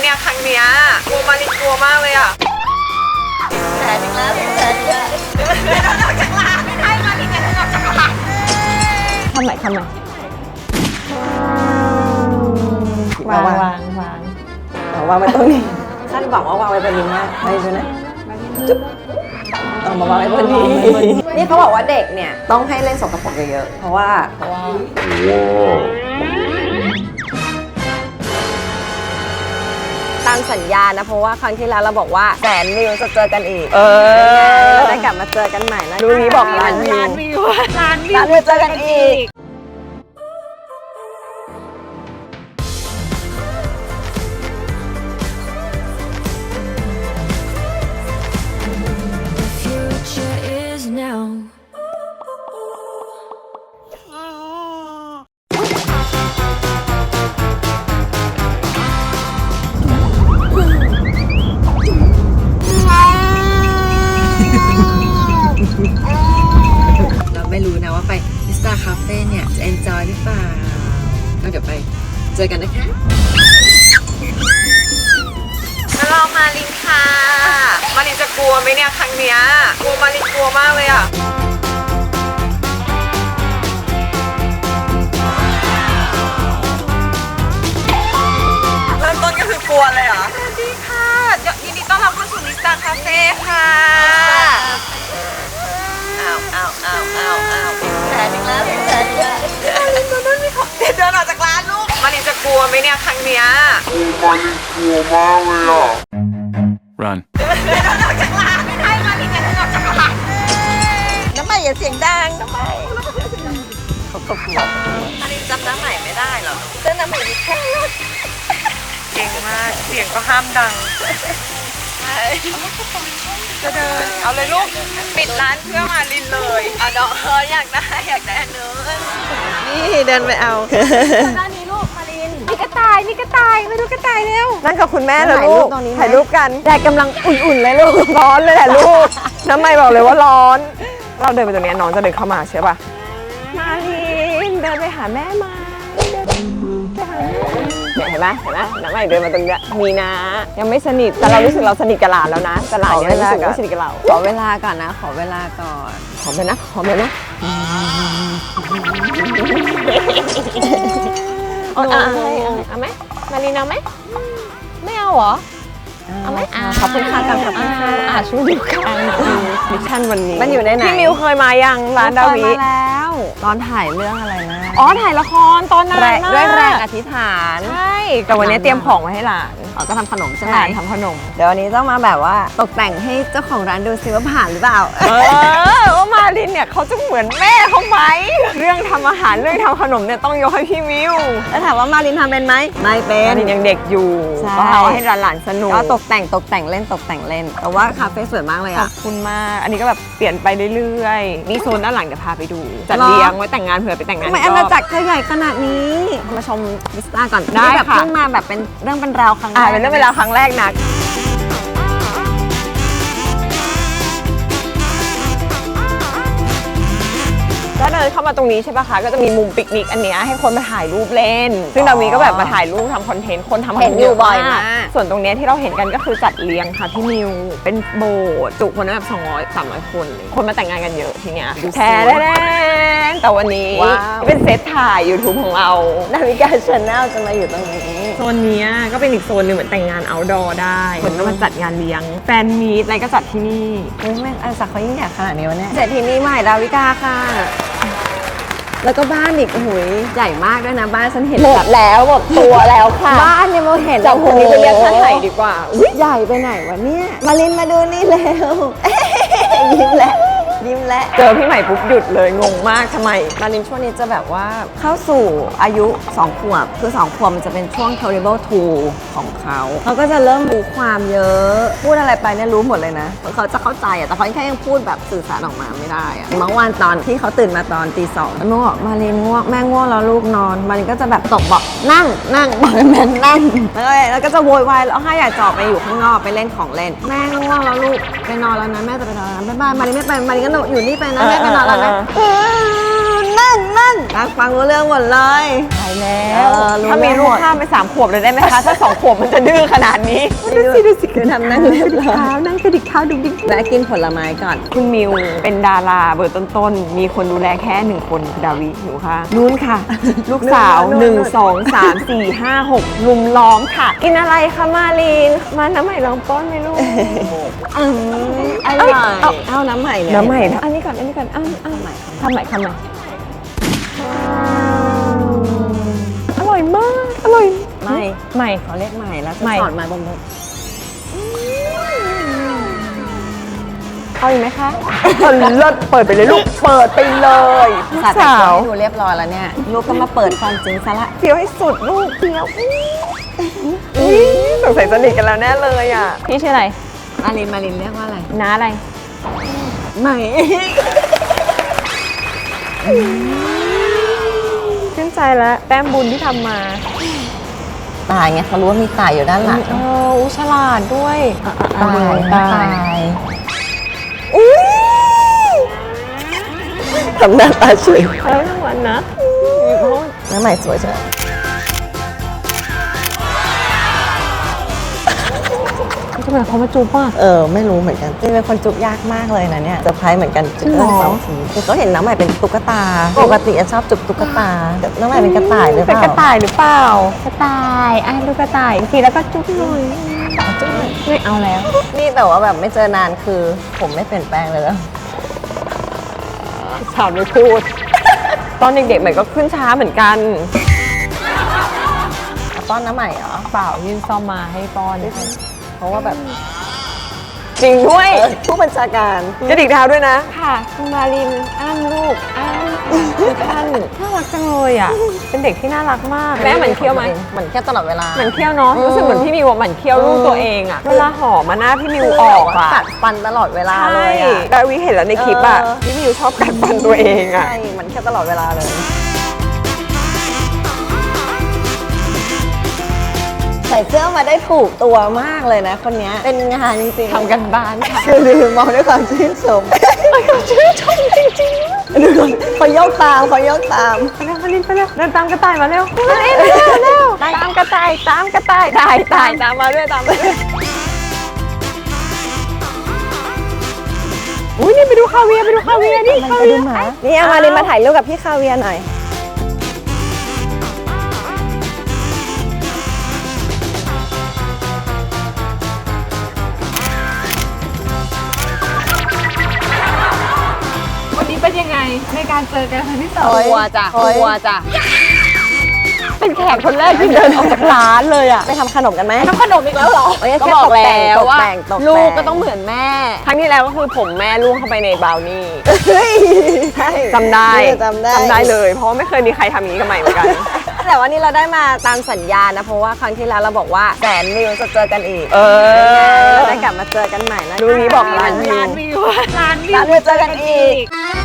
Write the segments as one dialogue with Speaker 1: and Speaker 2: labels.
Speaker 1: เนี่ยครั้งเนี้ยกลัวมารินกลัวมากเลยอ่ะ
Speaker 2: แผลนึงแล้วแผลนึงแล้ว
Speaker 1: เดินออกจากร้านไม่ได้มารินจะเดินออกจากร้าน
Speaker 3: ทำไมวางไว้ตรงนี้คาดหวังว่าวางไว้บนนี้มากไปดูนะจุ๊บเอามาวางไว้บนนี้นี่เขาบอกว่าเด็กเนี่ยต้องให้เล่นสกปรกเยอะๆเพราะว่าตามสัญญานะเพราะว่าครั้งที่แล้วเราบอกว่า100,000 วิวจะเจอกันอีกเราได้กลับมาเจอกันใหม่นะดูนี้บอกล้านวิวเจอกันอีกเราไม่รู้นะว่าไปมิสตาคาเฟ่เนี่ยจะ enjoy หรือเปล่าแล้วเดี๋ยวไปเจอกันนะคะ
Speaker 1: รอมารินค่ะมารินจะกลัวไหมเนี่ยครั้งเนี้ยกลัวมารินกลัวมากเลยอ่ะเริ่มต้นก็คือกลัวเลยเหรอสวัสดีค่ะยินดีต้อนรับเข้าสู่มิสตาคาเฟ่ค่ะ
Speaker 2: แผลนึงแล้วแผลนึงแล้ว
Speaker 1: เดินออกจากร้านลูกมารินจะกลัวไหมเนี่ยครั้งเนี้ย
Speaker 4: มารินกลัวมากเลยอ่ะ Run
Speaker 1: เดินออกจากร้านไม่ได้มารินจะเดินออกจากร้าน
Speaker 2: น้ำใหม่อย่าเสียงดังน้ำใหม่
Speaker 1: มารินจำน้ำใหม่ไม่ได้เหรอ
Speaker 2: เจ้าน้ำใหม่ดีแค่รถ
Speaker 1: เก่งมากเสียงก็ห้ามดังจะเดินเอาเลยลูกปิดร้านเพื่อมารินเลยน้องอยากได้อันนึง
Speaker 3: นี่เดินไปเอา
Speaker 2: ด้านนี้ลูกมารินมีกระต่ายมาดูกระต่ายเร็ว
Speaker 3: นั่งกับคุณแม่เลยลูกถ่ายรูปกันแดดกำลังอุ่นๆเลยลูกร้อนเลยแหละลูกน้ำไม่บอกเลยว่าร้อน เราเดินไปตรงนี้น้องจะเดินเข้ามาใช่ป่ะมาลินเดินไปหาแม่มาเนี่ยเห็นไหมน้ำใหม่เดินมาตรงนี้มีนะยังไม่สนิทแต่เรารู้สึกเราสนิทกับหลานแล้วนะแต่หลานยังรู้สึกว่าสนิทกับเราขอเวลาก่อนนะขอเวลาก่อนขอไปนะเอาไหมมาลีนเอาไหมไม่เอาเหรอเอาไหมขอบคุณค่ะกันขอบคุณค่ะช่วยดูกันมิชชั่นวันนี้มันอยู่ในไหนพี่มิวเคยมายังร้านดาวิมาแล้วตอนถ่ายเรื่องอะไรนะถ่ายละครตอนนั้นด้วยแรงอธิษฐานใช่แต่วันนี้เตรียมของไว้ให้หลานก็ทำขนมใช่ไหมทำขนมเดี๋ยววันนี้ต้องมาแบบว่าตกแต่งให้เจ้าของร้านดูซิว่าผ่านหรือเปล่าว่ามาลินเนี่ยเขาจะเหมือนแม่เขาไหมเรื่องทำอาหารเรื่องทำขนมเนี่ยต้องยกให้พี่มิวแล้วถามว่ามาลินทำเป็นไหมไม่เป็นมาลินยังเด็กอยู่ก็เอาให้หลานสนุกก็ตกแต่งเล่นแต่ว่าคาเฟ่สวยมากเลยอ่ะขอบคุณมากอันนี้ก็แบบเปลี่ยนไปเรื่อยๆมีโซนด้านหลังเดี๋ยวพาไปดูจัดเลี้ยงไว้แต่งงานเผื่อไปแต่งงานทำไมอาณาจักรเธอใหญ่ขนาดนี้มาชมวิสตาก่อนได้ค่ะเพิ่งมาแบบเป็นเรื่องเป็นราวครั้งแรกเป็นเรื่องเป็นราวครั้งแรกนะก็เดินเข้ามาตรงนี้ใช่ปะคะก็จะมีมุมปิกนิกอันเนี้ยให้คนมาถ่ายรูปเล่นซึ่งดาวีก็แบบมาถ่ายรูปทำคอนเทนต์คนทำคอนเทนต์อยู่บ่อยมากส่วนตรงเนี้ยที่เราเห็นกันก็คือจัดเลี้ยงค่ะพี่นิวเป็นโบสถ์จุคนได้แบบ200-300 คนคนมาแต่งงานกันเยอะทีเนี้ยแท้แต่วันนี้เป็นเซตถ่าย YouTube ของเรานาวิกาชาแนลจะมาอยู่ตรงนี้โซนนี้ก็เป็นอีกโซนหนึ่งเหมือนแต่งงานเอาท์ดอร์ได้คนก็มาจัดงานเลี้ยงแฟนมีตอะไรก็จัดที่นี่แม่อาณาจักรเขายิ่งใหญ่ขนาดนี้วะเนี่ยเศรษฐีนีใหม่ดาวิกาค่ะแล้วก็บ้านอีกโอ้ยใหญ่มากด้วยนะบ้านฉันเห็นหมดตัวแล้วค่ะบ้านเนี่ยเราเห็นจากคนนี้ไปเรียกท่านไหนดีกว่าใหญ่ไปไหนวะเนี่ยมาลินมาดูนี่เร็วยิ้มแล้วเจอพี่ใหม่ปุ๊บหยุดเลยงงมากทำไมมาลินช่วงนี้จะแบบว่าเข้าสู่อายุ2 ขวบคือ2 ขวบมันจะเป็นช่วง terrible 2ของเขาก็จะเริ่มรู้ความเยอะพูดอะไรไปเนี่ยรู้หมดเลยนะเขาจะเข้าใจแต่เขาแค่ยังพูดแบบสื่อสารออกมาไม่ได้เมื่อวานตอนที่เขาตื่นมาตอนตี 2แล้วแม่บอกมาลินง่วงแม่ง่วงแล้วลูกนอนมาลินก็จะแบบตบบอกนั่งบอกแม่นั่งแล้วก็จะโวยวายแล้วให้อยากจะออกไปอยู่ข้างนอกไปเล่นของเล่นแม่ง่วงแล้วลูกไปนอนแล้วนะแม่จะไปนอนแล้วบ๊ายบายมาลินไม่ไปมาลินก็อยู่นี่ไปนะแม่ไปนอนแล้วนะนั่ง
Speaker 5: ฟังรู้เรื่องหมดเลย
Speaker 3: ตายแล้ว
Speaker 5: รู้
Speaker 3: ถ้ามีลูกข้ามไป3 ขวบเลยได้ไหมคะ ถ้า2 ขวบมันจะดื้อขนาดนี้
Speaker 5: ดูสิคือทำนั่งเรียบร้อย
Speaker 3: นั่งกระดิกเท้าดุกดิก
Speaker 5: แวะกินผลไม้ก่อน
Speaker 3: คุณมิวเป็นดาราเบอร์ต้นๆ มีคนดูแลแค่1 คนคือดาวิหนูค่ะนู้นค่ะ ลูกสาว 1 2 3 4 5 6 ลุมล้อมค่ะ กินอะไรคะมาลีน มาน้ำใหม่ลองป้อนไหมลูก
Speaker 5: อร่อยเอาน้ำใหม่เนี่ย
Speaker 3: น้ำใหม่นะอันนี้ก่อน อันนี้ก่อนอ้าวใหม่ทำใหม่ทำใหม่อร่อยมาก อร่อย
Speaker 5: ไม่
Speaker 3: ใหม่
Speaker 5: เขาเรียกใหม่แล้ว
Speaker 3: ใหม่
Speaker 5: สอนมาบนบน
Speaker 3: เอาอีกไหมคะเลิศเปิดไปเลยลูก เปิดไปเลยลูก
Speaker 5: สา
Speaker 3: สาว
Speaker 5: ให้ดูเรียบร้อยแล้วเนี่ย ลูกก็มาเปิดความจริงซะละ
Speaker 3: เคี้ยวให้สุดลูกเคี้ยวสงสัยสนิทกันแล้วแน่เลยอ่ะ พี่ชื่ออะไร
Speaker 5: มารินเรียกว่าอะไร
Speaker 3: น้าอะไร
Speaker 5: ใหม่
Speaker 3: ชื่นใจแล้วแต้มบุญที่ทำมา
Speaker 5: ตายไงเขารู้ว่ามีตายอยู่ด้านหลัง
Speaker 3: ฉลาดด้วย
Speaker 5: ตายทำหน้าตาสวย
Speaker 3: ใช้ทั้งวันนะ
Speaker 5: น้ำใหม่สวยใช่ไหม
Speaker 3: ทำไมเขามาจูบป่ะ
Speaker 5: ไม่รู้เหมือนกันจริงเป็นคนจุกยากมากเลยนะเนี่ยเซอร์ไพรส์เหมือนกันจุก
Speaker 3: จริงเหรอ
Speaker 5: 2 ทีคือเขาเห็นน้ำใหม่เป็นตุ๊กตา ปกติชอบจุกตุ๊กตาแต่น้ำใหม่เป็นกระต่ายหรือเป
Speaker 3: เป็น
Speaker 5: ล่าก
Speaker 3: ระต่ายหรือเปล่า กระต่ายดูกระต่ายทีแล้วก็จุ๊บหน่อยไม่เอาแล้ว
Speaker 5: นี่แต่ว่าแบบไม่เจอนานคือผมไม่เปลี่ยนแปลงเลยแล้ว
Speaker 3: ถามไม่พูด ตอนเด็กๆใหม่ก็ขึ้นช้าเหมือนกัน
Speaker 5: ป้อนน้ำใหม่เหรอ
Speaker 3: เปล่ายื่นซ่อมมาให้ป้อน
Speaker 5: เพราะว่าแบบ
Speaker 3: จริงด้วย
Speaker 5: ผู้บัญชาการ
Speaker 3: กระดิกเท้าด้วยนะ ค่ะคุณมารินลูกทุกท่านน่ารักจังเลยอ่ะ เป็นเด็กที่น่ารักมากแม่เหมือนเคี้ยวไหม
Speaker 5: เหมือนแค่ตลอดเวลา
Speaker 3: เหมือนเคี้ยวเนาะรู้สึกเหมือนพี่มิวเหมือนเคี้ยวลูกตัวเองอ่ะเวลาหอมมาหน้าพี่มิวออกอ่ะ
Speaker 5: กัดฟันตลอดเวลาเล
Speaker 3: ใช่
Speaker 5: ยอ่ะ
Speaker 3: ดาวิเห็นแล้วในคลิปอ่ะพี่มิวชอบกัดฟันตัวเองอ่ะ
Speaker 5: ใช่เหมือนแค่ตลอดเวลาเลย ใส่เสื้อมาได้ถูกตัวมากเลยนะคนนี้เป็นงานจริงๆ
Speaker 3: ทำกันบ้านค่ะ
Speaker 5: คือมองด้วยความชื่นชมชื่นชมจริงๆดูก่อนพอยกตาม
Speaker 3: ไปเร็วมาลินไปเร็วเดินตามกระต่ายมาเร็วมาลินเร็วตามกระต่ายตามมาด้วยตามมาด้วยอุ้ยนี่ไปดูคาเวียร์นี่คาเวียร์
Speaker 5: นี่เอามาลินมาถ่ายรูปกับพี่คาเวียร์หน่อย
Speaker 2: วันนี้เป็นยังไงในการเจอกันครั้งที่สอง
Speaker 3: กลัวจ้ะเป็นแขกคนแรกที่เดินออกจากร้านเลยอ่ะ
Speaker 5: ไปทำขนมกันไหม
Speaker 2: ทำขนมอีกแล้วเหรอ
Speaker 3: ก็บอกแล้วว่า
Speaker 5: ตกแต่ง
Speaker 3: ลูกก็ต้องเหมือนแม่ ครั้งที่แล้วก็คือผมแม่ลูกเข้าไปในบราวนี่
Speaker 5: เฮ้ยใช่
Speaker 3: จำได้
Speaker 5: จำได้
Speaker 3: เลย เพราะว่าไม่เคยมีใครทำอย่างนี้กับใหม่เหมือนกัน
Speaker 5: แต่ว่านี่เราได้มาตามสัญญานะเพราะว่าครั้งที่แล้วเราบอกว่า100,000 วิวจะเจอกันอีก เราได้กลับมาเจอกันใหม่แล้ว
Speaker 3: ดูนี้บอกร้านวิว
Speaker 2: ร้านวิว
Speaker 5: ร้านวิวเจอกันอีก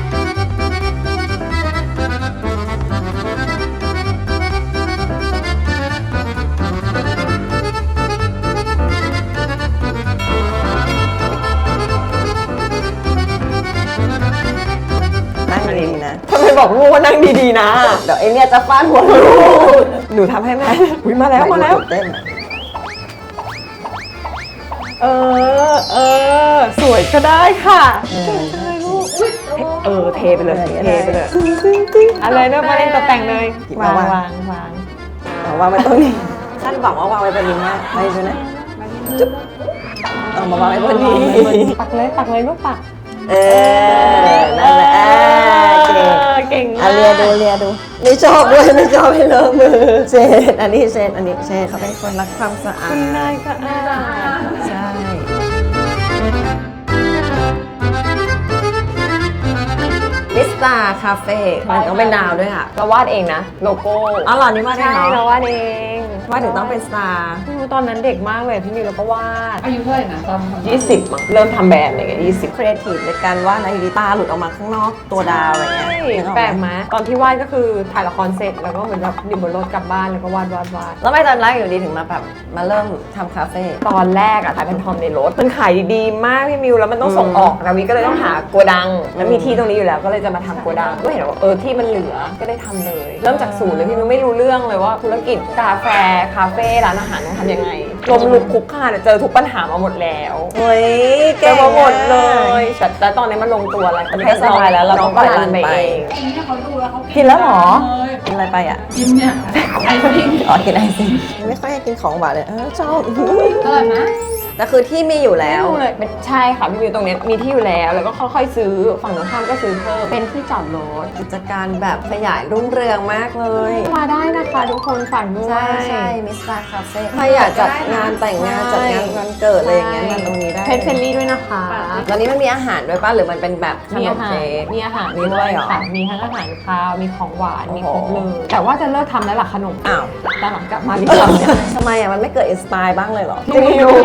Speaker 5: นั่งดีๆนะ
Speaker 3: ทำไมบอกลูกว่านั่งดีๆนะ
Speaker 5: เดี๋ยวไอเนี่ยจะฟาดหัวลูก
Speaker 3: หนูทำให้แม่อุ้ยมาแล้ว
Speaker 5: เต้นอะ
Speaker 3: สวยก็ได้ค่ะเทไปเลยอะไรเนอะมาเล่นตกแต่งเลย วาง
Speaker 5: เอาวางไว้ตรงนี้คาดหวังว่าวางไว้บนนี้นะไปดูนะจุ๊บเอามาวางไว้บนนี้
Speaker 3: ปักเลยลูกปัก
Speaker 5: นั่นแหละเก่ง
Speaker 3: เก่ง
Speaker 5: อ่ะเลียดูนี่ชอบด้วยไม่ชอบให้เลอะมือเช็ดอันนี้เช็ดเขาเป็นคนรักความสะอาด
Speaker 3: คุณนายก็อา
Speaker 5: ใช่มิสตาคาเฟ่มันต้องเป็นดาวด้วยอ่ะ
Speaker 3: เราวาดเองนะ โลโก้
Speaker 5: อ๋อเหรอนี่วาดได้
Speaker 3: ใช่
Speaker 5: เหรอ
Speaker 3: เราวาดเอง
Speaker 5: ว่าถึงต้องเป็นสตาร์
Speaker 3: ไม่รู้ตอนนั้นเด็กมากเลยพี่มิวเราก็วาด
Speaker 2: อายุเท่าไหร่นะตอนทำ
Speaker 3: 20มั้งเริ่มทำแบรนด์อะไรเงี้ย20
Speaker 5: ครีเอทีฟในการวาดนะอยู่ดีตาหลุดออกมาข้างนอกตัวดาวอะไรเงี้ยนึออ
Speaker 3: แปลกไหมตอนที่วาดก็คือถ่ายละครเสร็จแล้วก็เหมือนแบบอยู่บนรถกลับบ้านแล้วก็วาด
Speaker 5: แล้วไม่ตอนแรกอยู่ดีถึงมาแบบมาเริ่มทำคาเฟ่
Speaker 3: ตอนแรกอะถ่ายเป็นทอมในรถมันขายดีมากพี่มิวแล้วมันต้องส่งออกนาวิก็เลยต้องหาโกดังแล้วมีที่ตรงนี้อยู่แล้วก็เลยจะมาทำโกดังก็เห็นว่าที่มันเหลือก็ได้ทำเลย เริ่มจากศูนย์เลยพี่มิวไม่รู้เรื่องเลยว่าธุรกิจกาแฟคาเฟ่ร้านอาหารต้องทำยังไงลมลุกคุกคานเจอทุกปัญหามาหมดแล้ว
Speaker 5: เฮ้ย
Speaker 3: เจอมาหมดเลยแต่ตอนนี้มันลงตัวแล้ว
Speaker 5: ให้สบายแล้วเราต้อง
Speaker 3: ก็รัน
Speaker 5: ไป
Speaker 3: ไปเอง
Speaker 2: เขาดูแล้วเขา
Speaker 3: กินแล้วเหรอ
Speaker 5: กินอะไรไปอ่ะ
Speaker 2: กินเนี่ยไอซิ่ง
Speaker 5: อ๋อกินไอซิ่งไม่ค่อยกินของหวานเลยชอบ
Speaker 2: อร่อยไหม
Speaker 5: แต่คือที่มีอยู่แล้ว
Speaker 3: เลยใช่ค่ะพี่มิวตรงนี้มีที่อยู่แล้วแล้วก็ค่อยๆซื้อฝั่งตรงข้ามก็ซื้อเพิ่มเป็นที่จอดรถ
Speaker 5: กิจการแบบขยายรุ่งเรืองมากเลย
Speaker 3: มาได้นะคะทุกคนฝากด้วย
Speaker 5: ใช่มิสตาร์คาเฟ่ใครอยากจัดงานแต่งงานจัดงานวันเกิดอะไรอย่างเงี้ยมาตรงนี้ได้
Speaker 3: เพจเฟรนลี่ด้วยนะคะ
Speaker 5: ตอนนี้มันมีอาหารด้วยป่ะหรือมันเป็นแบบข
Speaker 3: มี
Speaker 5: น
Speaker 3: อาม หาร
Speaker 5: เค้ก
Speaker 3: มีอาหาร
Speaker 5: มีด้วยเหรอ
Speaker 3: ค่ะมีทั้งอาหารคาวมีของหวานมีครบ
Speaker 5: โอ้
Speaker 3: เล
Speaker 5: โห
Speaker 3: ยแต่ว่าจะเลิกทำแล้วล่ะขนม
Speaker 5: อ้าว
Speaker 3: ตอนหลังกลับมาดีกว่า
Speaker 5: ทำไมอ่ะมันไม่เกิดอินสปายบ้างเลยเหรอ
Speaker 3: จริงอยู่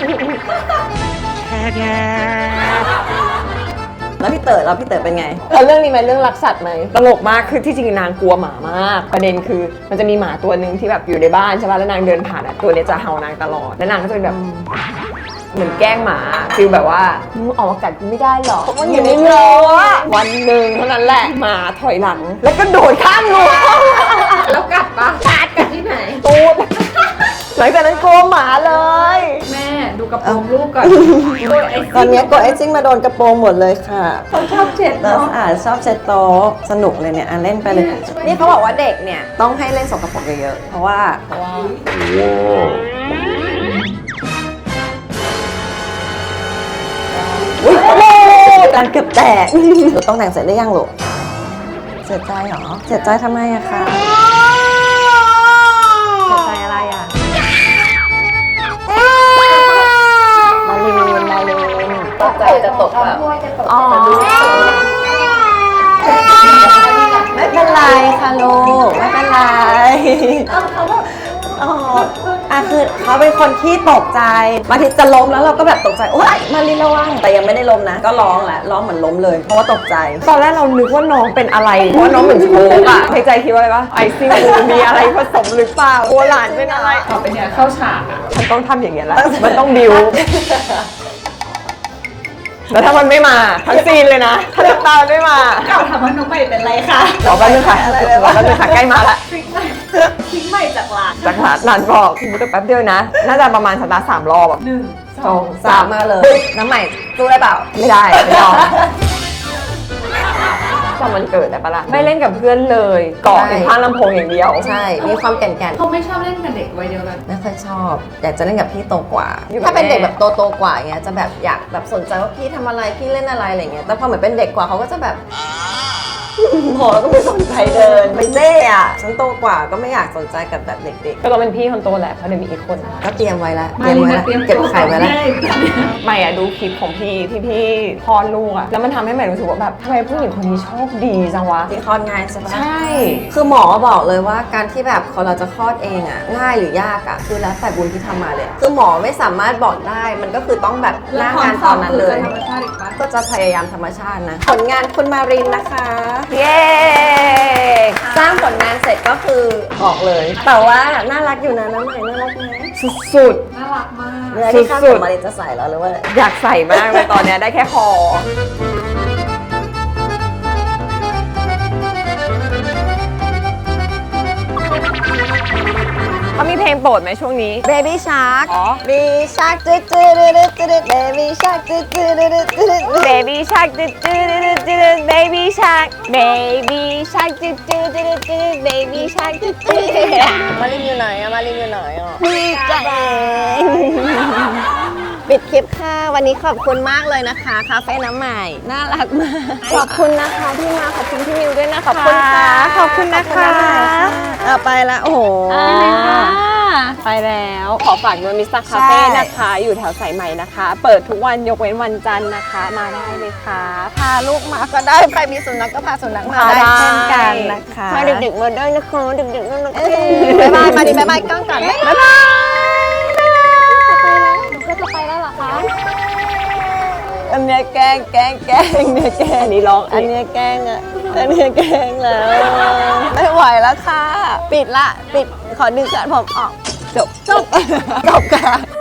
Speaker 5: แล้วพี่เต๋อเป็นไง
Speaker 3: เรื่องนี้ไหมเรื่องรักสัตว์ไหมตลกมากคือที่จริงนางกลัวหมามาก ประเด็นคือมันจะมีหมาตัวหนึ่งที่แบบอยู่ในบ้านใช่ป่ะแล้วนางเดินผ่านอ่ะตัวเนี้ยจะเห่านางตลอดแล้วนางก็จะเป็นแบบเหมือนแกล้งหมาฟีลแบบว่ามึงออกมากัดกูไม่ได้หรอกมันอยู่ในรั้ววันหนึ่งเท่านั้นแหละหมาถอยหลัง แล้วก็โดดข้ามรั้วแล้วกัดปะกัดที่ไหนตูดหลังจากนั้นกลัวหมาเลย
Speaker 2: แม่ดูกระโปรงลูกก่อน
Speaker 5: ตอนนี้กดไอซิ่งมาโดนกระโปรงหมดเลยค่ะ
Speaker 2: เขาชอบเช็ด
Speaker 5: แล้ว
Speaker 2: เนาะ
Speaker 5: ชอบเช็ดโต๊ะสนุกเลยเนี่ยเล่นไปเลย นี่เขาบอกว่าเด็กเนี่ยต้องให้เล่นสกปรกเยอะๆเพราะว่าอุ๊ยการเกือบแตกหนูต้องแต่งเสร็จได้ยังลูกเสียใจเหรอเสียใจทำไมอะคะเสียใจอะไรอะมาลินตกใจจะตกแบบอ๋อไม่เป็นไรค่ะลูกไม่เป็นไรอ๋อคือเขาเป็นคนที่ตกใจบางทีจะล้มแล้วเราก็แบบตกใจโอ๊ยมาลินระวังแต่ยังไม่ได้ล้มนะก็ร้องแหละร้องเหมือนล้มเลยเพราะว่าตกใจ
Speaker 3: ตอนแรกเรานึกว่าน้องเป็นอะไรเพราะว่าน้องเหมือนโชกอะในใจคิดว่าอะไรวะไอซิ่งมีอะไรผสมหรือเปล่ากลัวหลานเป็นอะไร
Speaker 2: ต่อไปเนี่ยเข้าฉากอ่ะ
Speaker 3: มันต้องทำอย่างเงี้ยแหละมันต้องบิวแล้วถ้ามันไม่มาทั้งซีนเลยนะถ้าน้ำตาไม่มา
Speaker 2: เก่าถามว่าน้องใหม่เป็นไรคะ
Speaker 3: รอแป๊บนึงค่ะรอแป๊บนึงค่ะใกล้มาละ
Speaker 2: ทิ้งใหม่ทิ้งใหม่จากหลาน
Speaker 3: จากหลานบอกคุณมุกแป๊บเดียวนะ น่าจะประมาณสตาร์ท3 รอบแบบ
Speaker 2: 1 2
Speaker 5: สามมาเลยน้ำใหม่สู้ได้เปล่า
Speaker 3: ไม่ได้ไม่ยอมจำมันเกิดได้ปะล่ะไม่เล่นกับเพื่อนเลยเกาะในข้างลำโพงอย่างเดียว
Speaker 5: ใช่มีความแก่น
Speaker 2: เขาไม่ชอบเล่นกับเด็กวัยเดียวกัน
Speaker 5: ๆไม่ค่อยชอบอยากจะเล่นกับพี่โตกว่า
Speaker 3: อยู่กับ
Speaker 5: ถ้าเป็น
Speaker 3: แม่
Speaker 5: เด็กแบบโตกว่าอย่างเงี้ยจะแบบอยากแบบสนใจว่าพี่ทำอะไรพี่เล่นอะไรอะไรเงี้ยแต่พอเหมือนเป็นเด็กกว่าเขาก็จะแบบ โหแล้วก็ไม่สนใจเดินไม่เน่อะฉันโตกว่าก็ไม่อยากสนใจกับแบบเด็ก
Speaker 3: ก็ต้องเป็นพี่คนโตแหละเพราะเดี๋ยวมีอีกคน
Speaker 5: ๆก็เตรียมไว้แล้ว
Speaker 2: มาลินมาเตรียม
Speaker 5: เก็บไข่ไว้แล้ว
Speaker 3: ไม่อะดูคลิปของพี่ที่พี่คลอดลูกอะแล้วมันทำให้ใหม่รู้สึกว่าแบบทำไมผู้หญิงคนนี้โชคดีจังวะ
Speaker 5: ที่คลอดง่ายใช่ปะ
Speaker 3: ใช่
Speaker 5: คือหมอบอกเลยว่าการที่แบบคนเราจะคลอดเองอะง่ายหรือยากอะคือแล้วแต่บุญที่ทำมาเลยอะคือหมอไม่สามารถบอกได้มันก็คือต้องแบบหน้างานตอนนั้นเลย
Speaker 2: ธรรมชาติอีกปะ
Speaker 5: ก็จะพยายามธรรมชาตินะ ผลงานคุณมารินนะคะ
Speaker 3: เย้
Speaker 5: สร้างผลงานเสร็จก็คือออกเลย แต่ว่าน่ารักอยู่นะน้ำใหม่น่ารักไหม
Speaker 3: สุด
Speaker 2: น่ารักมาก
Speaker 5: เนื้อที่ข้าง
Speaker 3: สุ
Speaker 5: ข
Speaker 3: ด
Speaker 5: องมารินจะใส่แล้วหรือว่า
Speaker 3: ๆอยากใส่มากเลยตอนเนี้ยได้แค่คอเขามีเพลงโปรดไหมช่วงนี้
Speaker 5: Baby Shark
Speaker 3: อ๋อ
Speaker 5: Baby Shark จืดจืดจืดจืด Baby Shark จืดจืดจืดจืด
Speaker 3: Baby Shark จืดจืดจืด Baby Shark Baby Shark จืดจืดจืด Baby Shark จืดจืด
Speaker 5: มารินอยู่ไหนอะมารินอยู่ไหนอะนี่จ้ะปิดคลิปค่ะ วันนี้ขอบคุณมากเลยนะคะ คาเฟ่น้ำใหม่ น่ารักมาก ขอบคุณนะคะที่มา ขอบคุณพี่มิวด้วยนะ ขอบคุณค่ะ
Speaker 3: ขอบคุณนะคะ
Speaker 5: เอาไปละโอ้โห
Speaker 3: ไปแล้วขอฝากด้วยมิสเตอร์คาเฟ่นะคะ อยู่แถวสายใหม่นะคะ เปิดทุกวันยกเว้นวันจันทร์นะคะ มาได้เลยค่ะ
Speaker 5: พาลูกมาก็ได้ ใครมีสุนัขก็พาสุนัขมา
Speaker 3: พาได้
Speaker 5: ได้เช่นกันนะคะ
Speaker 3: มาดึกๆมาด้วยนะคะดึกๆมาด้วย
Speaker 5: บ๊ายบาย มาดิบ๊ายบายกล้องก่อนบ๊ายบาย
Speaker 2: ก็จะไปแล้วเหรอคะ
Speaker 5: อันเนี้ยแกล้งเนี่ยแกล้ง
Speaker 3: อันนี้ร้อง
Speaker 5: อันเนี้ยแกล้งอ่ะ อันเนี้ยแกล้งแล้ว ไม่ไหวแล้วค่ะ ปิดละ ปิด ขอดึงสายผมออก จบค่ะ